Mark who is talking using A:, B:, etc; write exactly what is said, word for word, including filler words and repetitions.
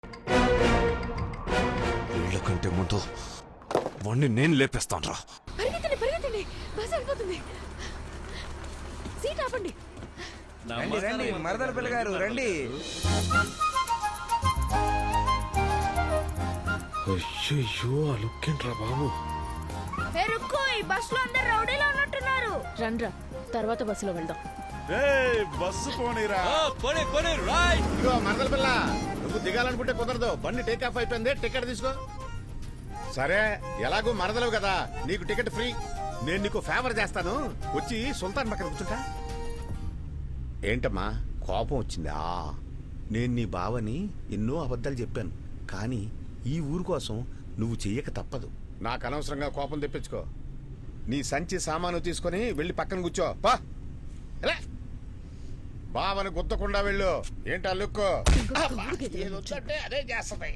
A: వీళ్ళకంటే ముందు వాణ్ణి నేను లేపేస్తాను రా.
B: పరిగెత్తండి పరిగెత్తండి, బస్ వెళ్ళిపోతుంది. సీట్ ఆపండి.
C: రండి రండి మరదల పిల్ల గారు రండి.
A: అయ్యో ఆ లుక్ ఏంట్రా బాబు.
B: బస్ లో అందరు రౌడీలో ఉన్నట్టున్నారు. రండ్రా, తర్వాత బస్సులో వెళ్దాం.
D: బస్సు పోనీరా.
E: ఇదిగో మరదల పిల్ల, నువ్వు దిగాలనుకుంటే కుదరదు. బండి టేక్ ఆఫ్ అయిపోయింది, టికెట్ తీసుకో. సరే, ఎలాగో మరదలవు కదా, నీకు టికెట్ ఫ్రీ. నేను నీకు ఫేవర్ చేస్తాను, వచ్చి సుల్తాన్ పక్కన కూర్చుంటా. ఏంటమ్మా కోపం వచ్చిందా? నేను నీ బావని ఎన్నో అబద్ధాలు చెప్పాను, కానీ ఈ ఊరు కోసం నువ్వు చెయ్యక తప్పదు. నాకు అనవసరంగా కోపం తెప్పించుకో. నీ సంచి సామాను తీసుకొని వెళ్ళి పక్కన కూర్చో. పా బావని గుద్దకుండా వెళ్ళు. ఏంటా లుక్కు? అదే చేస్తాయి.